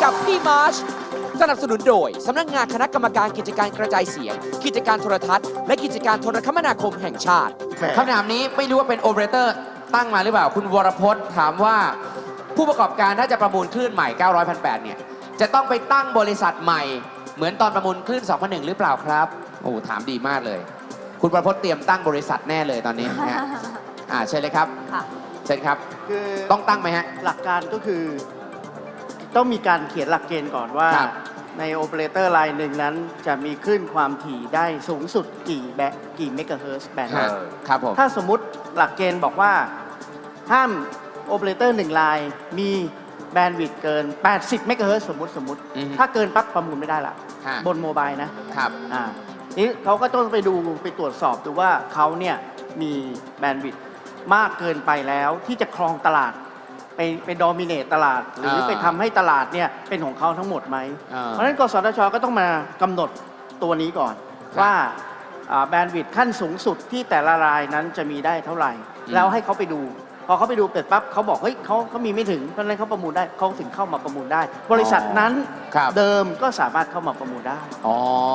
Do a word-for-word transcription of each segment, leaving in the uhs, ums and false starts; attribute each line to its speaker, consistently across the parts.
Speaker 1: กับพี่มาร์ชสนับสนุนโดย สำนักงานคณะกรรมการกิจการกระจายเสียง กิจการโทรทัศน์ และกิจการโทรคมนาคมแห่งชาติคำถามนี้ไม่รู้ว่าเป็นโอเปอเรเตอร์ตั้งมาหรือเปล่า คุณวรพจน์ถามว่าผู้ประกอบการถ้าจะประมูลคลื่นใหม่ เก้าร้อย พันแปด เนี่ยจะต้องไปตั้งบริษัทใหม่เหมือนตอนประมูลคลื่น สองพันหนึ่ง หรือเปล่าครับโอ้ถามดีมากเลย คุณวรพจน์เตรียมตั้งบริษัทแน่เลยตอนนี้นะฮะอ่าเชิญเลยครับเชิญครับ
Speaker 2: คือ
Speaker 1: ต้องตั้งไหมฮะ
Speaker 2: หลักการก็คือต้องมีการเขียนหลักเกณฑ์ก่อนว่าในโอเปอเรเตอร์รายหนึ่งนั้นจะมีคลื่นความถี่ได้สูงสุดกี่แบกี่เมกะเฮิรตซ์แบนด์
Speaker 1: ครับผม
Speaker 2: ถ้าสมมุติหลักเกณฑ์บอกว่าห้ามโอเปอเรเตอร์หนึ่งรายมีแบนด์วิดต์เกินแปดสิบเมกะเฮิรตซ์สมมติสมมติถ้าเกินปั๊บประมูลไม่ได้ละบนโมบายนะครับอ่านี้เขาก็ต้องไปดูไปตรวจสอบดูว่าเขาเนี่ยมีแบนด์วิดต์มากเกินไปแล้วที่จะครองตลาดไปไปดอมิเนตตลาดหรือไปทำให้ตลาดเนี่ยเป็นของเขาทั้งหมดไหมเพราะฉะนั้นกสทชก็ต้องมากำหนดตัวนี้ก่อนว่าแบนด์วิดต์ขั้นสูงสุดที่แต่ละรายนั้นจะมีได้เท่าไหร่แล้วให้เขาไปดูพอเขาไปดูเสร็จปั๊บเขาบอกเฮ้ยเขาเขามีไม่ถึงเพราะฉะนั้นเขาประมูลได้เขาถึงเข้ามาประมูลได้บริษัทนั้นเดิมก็สามารถเข้ามาประมูลได้
Speaker 1: อ๋อ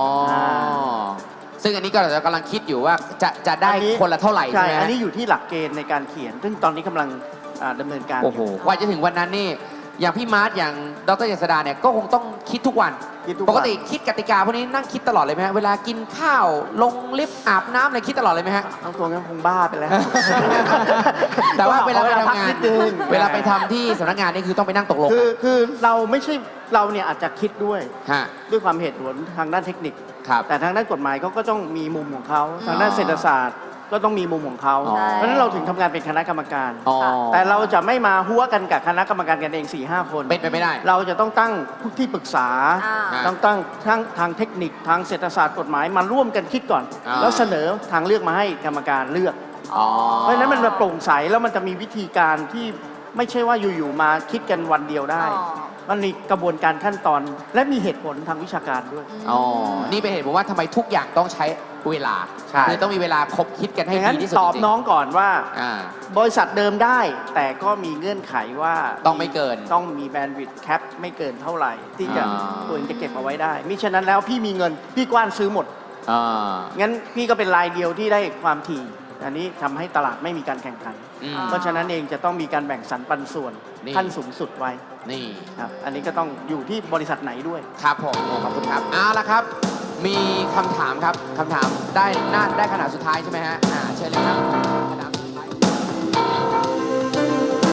Speaker 1: ซึ่งอันนี้ก็เรากำลังคิดอยู่ว่าจะจะได้คนละเท่าไหร่ใช่ไหม
Speaker 2: อันนี้อยู่ที่หลักเกณฑ์ในการเขียนซึ่งตอนนี้กำลังดำเนินการ
Speaker 1: โอ้โหกว่าจะถึงวันนั้นนี่อย่างพี่มาร์ทอย่างดร.เจษฎาเนี่ยก็คงต้องคิดทุกวันปกติคิดกติกาพวกนี้นั่งคิดตลอดเลยไหมฮะเวลากินข้าวลงลิฟต์อาบน้ำอะไรคิดตลอดเลยไหมฮะ
Speaker 2: เอาตัวงั้นคงบ้าไปแล้ว
Speaker 1: แต่ว่าเวลาไปทำงานเวลาไปทำที่สำนักงานนี่คือต้องไปนั่งตกลง
Speaker 2: คือคือเราไม่ใช่เราเนี่ยอาจจะคิดด้วยด้วยความเหตุผลทางด้านเทคนิคแต่ทางด้านกฎหมายเขาก็ต้องมีมุมของเขาทางด้านเศรษฐศาสตร์ก็ต้องมีมุมของเขาเพราะฉะนั้นเราถึงทำงานเป็นคณะกรรมการแต่เราจะไม่มาหัวกันกับคณะกรรมการกันเอง สี่ห้า คน
Speaker 1: เป็นไปไม่ได้
Speaker 2: เราจะต้องตั้งผู้ที่ปรึกษาต้องตั้งทั้งทางเทคนิคทางเศรษฐศาสตร์กฎหมายมาร่วมกันคิดก่อนแล้วเสนอทางเลือกมาให้กรรมการเลือกเพราะฉะนั้นมันโปร่งใสแล้วมันจะมีวิธีการที่ไม่ใช่ว่าอยู่ๆมาคิดกันวันเดียวได้มันมีกระบวนการขั้นตอนและมีเหตุผลทางวิชาการด้วย
Speaker 1: อ๋อนี่เป็นเหตุผลว่าทำไมทุกอย่างต้องใช้เวลาคือต้องมีเวลาคบคิดกันให้ดีที่สุด
Speaker 2: ตอบน้องก่อนว่าบริษัทเดิมได้แต่ก็มีเงื่อนไขว่า
Speaker 1: ต้องไม่เกิน
Speaker 2: ต้องมีแบนด์วิดต์แคปไม่เกินเท่าไหร่ที่จะตัวเองจะเก็บเอาไว้ได้มิฉะนั้นแล้วพี่มีเงินพี่กว้านซื้อหมดงั้นพี่ก็เป็นรายเดียวที่ได้ความถี่อันนี้ทำให้ตลาดไม่มีการแข่งขันเพราะฉะนั้นเองจะต้องมีการแบ่งสรรปันส่วนขั้นสูงสุดไว้
Speaker 1: นี่
Speaker 2: ครับอันนี้ก็ต้องอยู่ที่บริษัทไหนด้วย
Speaker 1: ครับผมขอบคุณครับเอาละครับมีคำถามครับคำถามได้น่าได้ขนาดสุดท้ายใช่ไหมฮะอ่าเชิญเลยครับ